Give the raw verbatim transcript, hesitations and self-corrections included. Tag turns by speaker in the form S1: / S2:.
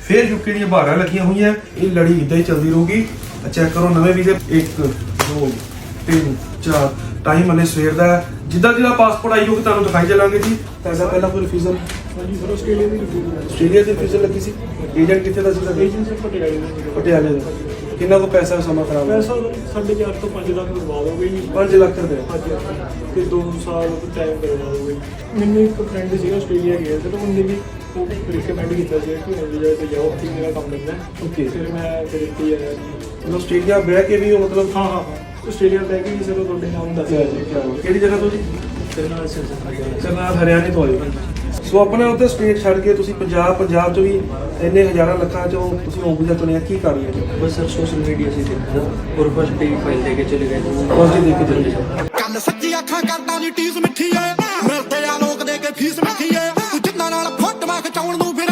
S1: फिर यूके दी बारां लगियां हुई हैं। ये लड़ी इदां ही चलती रहूगी। चेक करो नवे वीजे एक दो तीन चार टाइम हले सवेर का जिदा जिदा पासपोर्ट आई होगी तुहानूं दिखाई चलांगे जी। पैसा पहला कोई रिफ्यूजल
S2: ਆਸਟ੍ਰੇਲੀਆ ਦੀ
S1: ਆਸਟ੍ਰੇਲੀਆ ਦੀ ਰਿफ्यूजल ਲੱਗੀ ਸੀ। ਏਜੰਟ ਕਿੱਥੇ ਦਾ ਸੀ ਤੁਹਾਡਾ?
S2: ਏਜੰਸੀ ਪਟਿਆਲੇ ਦੀ।
S1: ਪਟਿਆਲੇ ਦਾ। ਕਿੰਨਾ ਕੋ ਪੈਸਾ ਸਮਾਂ ਖਰਾਬ ਹੋਇਆ?
S2: ਪੈਸਾ ਸਾਢੇ ਚਾਰ ਤੋਂ ਪੰਜ ਲੱਖ ਬਰਬਾਦ ਹੋ ਗਈ।
S1: ਪੰਜ ਲੱਖ ਰੁਪਏ
S2: ਹਾਂਜੀ ਤੇ ਦੋ ਸਾਲ ਟਾਈਮ ਬਰਬਾਦ ਹੋ ਗਈ। ਮੈਨੂੰ ਇੱਕ ਫਰੈਂਡ ਸੀਗਾ ਆਸਟ੍ਰੇਲੀਆ ਗਿਆ ਤੇ ਉਹਨੇ ਵੀ ਉਹ ਰਿਕਮੈਂਡ ਕੀਤਾ ਸੀ ਕਿ ਇੰਡੀਆ ਤੇ ਜਾਓ ਉੱਥੇ ਮੇਰਾ ਕੰਮ ਲੱਗਦਾ।
S1: ਓਕੇ
S2: ਫਿਰ ਮੈਂ ਫਿਰ ਇੱਥੇ ਆਇਆ ਜੀ।
S1: ਮਤਲਬ ਆਸਟ੍ਰੇਲੀਆ ਬਹਿ ਕੇ ਵੀ ਉਹ ਮਤਲਬ
S2: ਹਾਂ ਹਾਂ ਹਾਂ ਆਸਟ੍ਰੇਲੀਆ ਲੈ ਕੇ ਵੀ ਚਲੋ ਤੁਹਾਡੇ ਨਾਮ ਦੱਸਿਆ ਜੀ।
S1: ਕਿਹੜੀ ਜਗ੍ਹਾ ਤੋਂ ਜੀ?
S2: ਕਰਨਾਲ ਸਰ
S1: ਕਰਨਾਲ ਹਰਿਆਣੇ ਤੋਂ ਆਏ। ਸੋ ਆਪਣਾ ਉੱਥੇ ਸਟੇਟ ਛੱਡ ਕੇ ਤੁਸੀਂ ਪੰਜਾਬ ਪੰਜਾਬ ਚ ਵੀ ਇੰਨੇ ਹਜ਼ਾਰਾਂ ਲੱਖਾਂ ਚੋਂ ਤੁਸੀਂ ਉਹ ਵੀਜ਼ਾ ਚੁਣਿਆ, ਕੀ ਕਰ ਰਹੇ ਹੋ?
S3: बस सर सोशल मीडिया से देखा और बस पे फाइल लेके चले गए थे।
S1: ਬਸ ਜੀ ਦੇਖ ਕੇ ਚਲੇ ਜਾਓ।
S4: ਕੰਨ ਸੱਚੀ ਅੱਖਾਂ ਕਰਦਾ ਨੀ ਟੀਸ ਮਿੱਠੀ ਏ ਮਿਲਦੇ ਆ ਲੋਕ ਦੇ ਕੇ ਫੀਸ ਮਿੱਠੀ ਏ ਤੂੰ ਜਿੰਨਾਂ ਨਾਲ ਫੋਟੋਆਂ ਖਿਚਾਉਣ ਨੂੰ ਫਿਰ